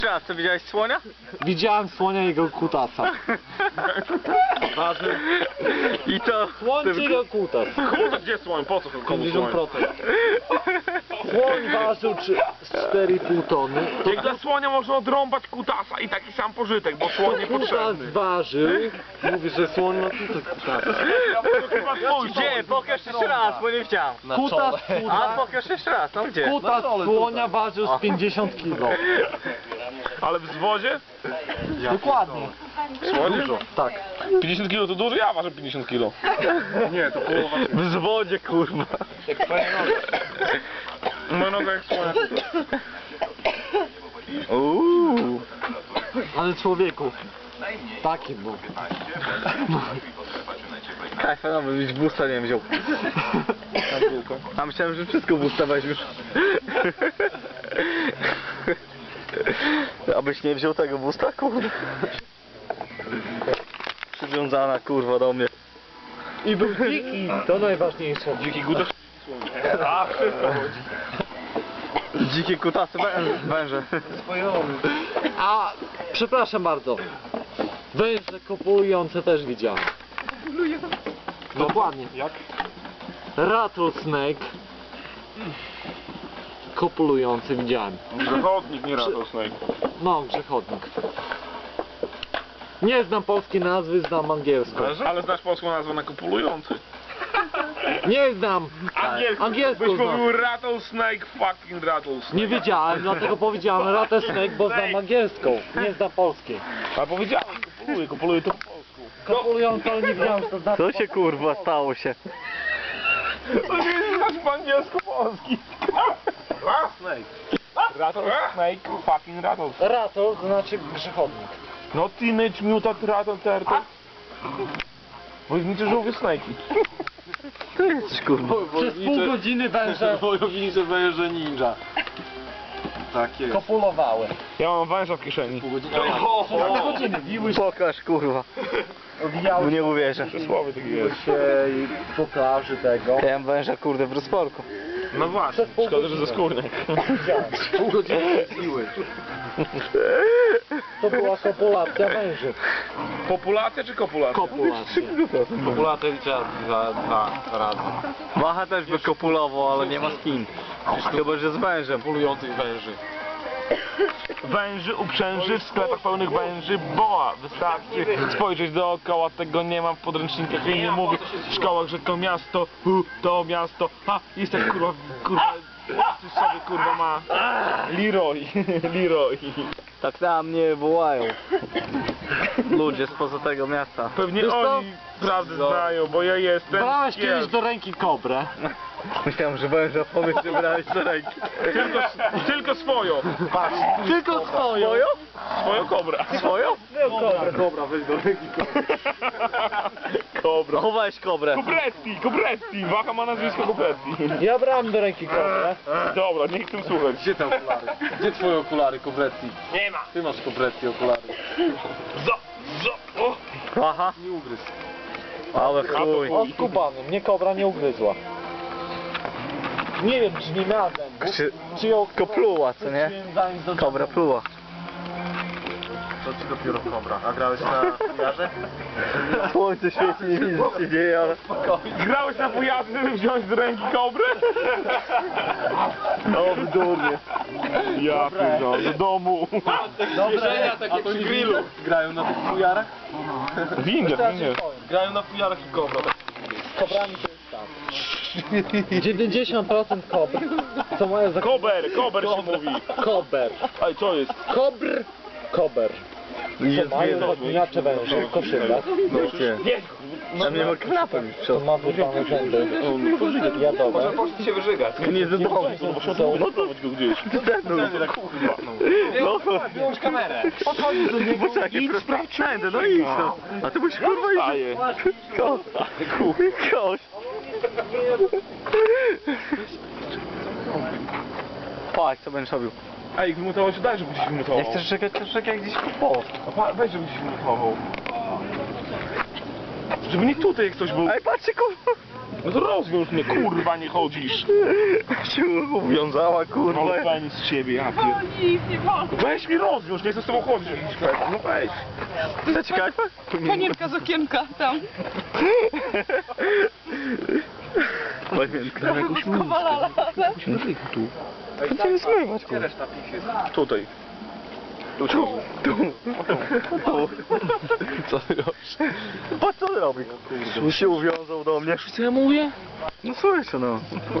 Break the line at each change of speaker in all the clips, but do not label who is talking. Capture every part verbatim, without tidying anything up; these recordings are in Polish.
Raz, co widziałeś słonia?
Widziałem słonia i jego kutasa.
I to...
Słoń czy jego kutas?
Kurde, gdzie słoń? Po co komu
pięćdziesiąt
słoń?
procent. Słoń ważył cztery i pół tony.
Jak dla słonia można odrąbać kutasa i taki sam pożytek, bo słoń
Kutas
niepotrzebny.
ważył. Mówi, że słoń ma kutas kutasa.
Gdzie? Pokaż jeszcze raz, bo nie widziałem.
Kutas,
A
kutas,
pokaż jeszcze raz, no gdzie?
kutas słonia ważył z pięćdziesiąt kilo.
Ale w zwodzie?
Dokładnie.
Dużo.
Tak.
pięćdziesiąt kilo to dużo? Ja ważę pięćdziesiąt kilo. Nie, to połowa.
W zwodzie, kurwa.
Jak twoja noga. Moja noga jak słonia.
Uuu.
Ale człowieku. Taki był.
Kajfa, no bym już busta nie wziął. A myślałem, że wszystko busta weźmiesz. Abyś nie wziął tego busta, kurwa. Przywiązana, kurwa, do mnie.
I był dziki. To najważniejsze.
Dziki gudasz? A, wszystko chodzi.
Dzikie kutasy wę- węże.
A, przepraszam bardzo. Węże kopulujące też widziałem. Dokładnie.
Jak?
Rattlesnake kopulujący widziałem.
Zachodnik, nie rattlesnake.
No, grzechodnik. Nie znam polskiej nazwy, znam angielską.
Ale znasz polską nazwę na kopulujący.
Nie znam!
Angielską.
Angielską
Byś
znam.
mówił rattlesnake, fucking rattlesnake.
Nie wiedziałem, dlatego powiedziałem rattlesnake, bo znam angielską. Nie znam polskiej.
A powiedziałem, kopuluję, kopuluję to po polsku.
Kopulujący, ale nie wiedziałem, co to znaczy.
Co się, kurwa, stało się?
To nie jest znaczy po angielsku polski. Rattlesnake. Rattlesnake, fucking rattlesnake.
Rattle to znaczy grzechodnik.
No Teenage Mutant Rattle Turtle. Wojowniczy żółwie snajki.
To jesteś, kurwa.
Przez pół godziny węże
Wojownicze węże ninja. Tak jest.
kopulowały.
Ja mam węża w kieszeni.
Przez pół godziny wiły się,
Pokaż, kurwa.
owijały
Bo nie uwierzę.
Przysłowie takie jest.
się i po plaży tego.
Ja mam węża, kurde, w rozporku.
No właśnie,
Przez pół
szkoda, że ze
godziny.
skórnek.
Widziałem. Pół godziny siły. To była kopulacja węży.
Populacja czy kopulacja?
Kopulacja.
Populacja liczę za dwa razy.
Macha też by kopulował, ale nie ma z kim. Chyba, że z wężem.
Polujących węży.
Węży, uprzęży, w sklepach pełnych węży, boa. Wystarczy spojrzeć dookoła, tego nie mam w podręcznikach i nie mówię w szkołach, że to miasto, hu, to miasto, ha, jest jak kurwa, kurwa, coś sobie kurwa ma. Leroy, Leroy.
Tak na mnie wołają. Ludzie spoza tego miasta.
Pewnie
Wiesz co?
oni prawdę znają, bo ja jestem
Brałeś kiedyś
kiel.
do ręki kobrę.
Myślałem, że węża powiesz, że brałeś do ręki.
Tylko, tylko swoją. Patrz,
Tylko swoją.
Swoją?
swoją kobrę.
Swoją?
Kobrę.
Dobra, weź do ręki.
Kobra.
Chowałeś kobrę.
Kobretti, Kobretti, Wacha ma nazwisko Kobretti.
Ja brałem do ręki kobrę.
Dobra, nie chcę słuchać.
Gdzie te okulary? Gdzie twoje okulary, Kobretti?
Nie ma.
Ty masz Kobretti okulary.
Zo, zo, o.
Aha.
Nie ugryz.
Ale chuj.
O, skubany. Mnie kobra nie ugryzła. Nie wiem, czy nie miała zębów.
Czy
Czy ją
kopluła, co nie?
wróciłem zanim do
Kobra pluła.
To ci dopiero kobra. A grałeś na jarze?
Słońce świeci, nie widzę co się dzieje, ale...
Grałeś na fujarze, żeby wziąć do ręki kobrę?
O, w durnie.
Ja pierdolę, do domu.
Dobra, takie przy grillu. Grają na tych fujarach?
Windzie, windzie.
Grają na fujarach i kobra.
Z kobrami to jest tak. dziewięćdziesiąt procent kobr, co mają za
Kober, kober się mówi.
kober.
Ej, co jest?
Kobr, kober. Co mają zaklinacze węży, koszylach.
Tam nie ma klapy mi w
To
przód.
ma wypane zęby jadowe.
Poszli się wyżygać.
Nie do domu.
Są
Montować go gdzieś.
No to...
Wyłącz kamerę.
podchodzi do niego.
Poczekaj, sprawdź wszędzie, no idź no. A ty musisz kurwa iść.
Staje.
Kość. Kość. Patrz, co będziesz robił.
Ej, wymutował się, daj, żeby gdzieś wymutował.
Nie chcesz czekać, to czekaj gdzieś po.
A pa- Weź, żeby gdzieś wymutował. Żeby nie tutaj jak ktoś był.
Ej, patrzcie kurwa.
No to rozwiąż mnie, kurwa, nie chodzisz.
się uwiązała, kurwa.
Ale pani z ciebie, ja pier...
Nic nie wolno.
Weź mi rozwiąż, nie chcę z tobą chodzić. No weź.
Zaciekać?
Panienka z okienka tam.
Panienka.
Kowalala.
Będziemy zmywać, kurwa.
Tutaj.
Tu, tu, tu. Co ty robisz? Po co ty robisz? Kurde. Się uwiązał do mnie.
Co ja mówię?
No słyszę, no.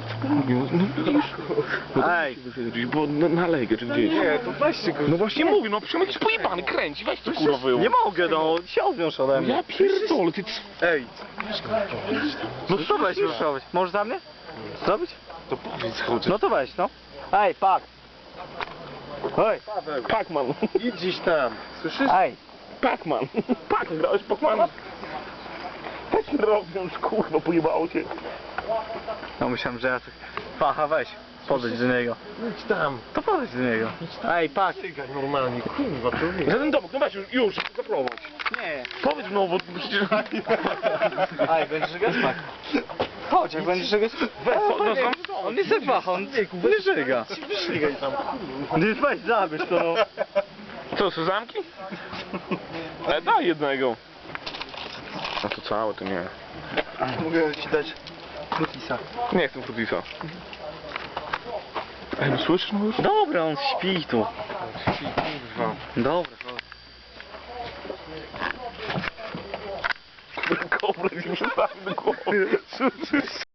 Ej.
Bo na, na legę, czy gdzieś.
Nie, to weźcie go.
No właśnie mówię, no przecież jakiś pojebany kręci, weź to kurwa wyjął.
Nie mogę, no. Się odwiąż ode mnie.
Ja pierdolę, ty... c-
Ej. No to weź już robić. Możesz za mnie? Zrobić?
To powiedz, chodź.
No to weź, no. Ej, pak. Ej.
Pac-Man.
Idź gdzieś tam. Słyszysz?
Ej.
Pac-Man. Pac, grałeś Pac-Mana? Weź mi rozwiąż, kurwa, pojebało cię.
No myślałem, że ja tak... Pacha, weź. Podejdź do niego.
Idź tam.
To podejdź do niego. Ej, pak.
Cygaj normalnie, kurwa, to nie.
Za ten domek, no weź już, już, zaprowadź.
Nie.
Powiedz no, bo przecież...
Ej, będziesz żygać? Pak. Chodź, jak będziesz żygać?
Weź, no, no, no,
On nie se waha, on nie żyga.
Wyśligaj tam.
Nie weź, zabierz to, no.
Co, są zamki? E, daj jednego. A to całe, to nie.
Mogę ci dać frutisa.
Nie chcę frutisa. Ej, no słyszysz no już?
Dobra, on śpi tu.
Kurwa.
Dobra, chodź.
Kobra ci przestawi do głowy.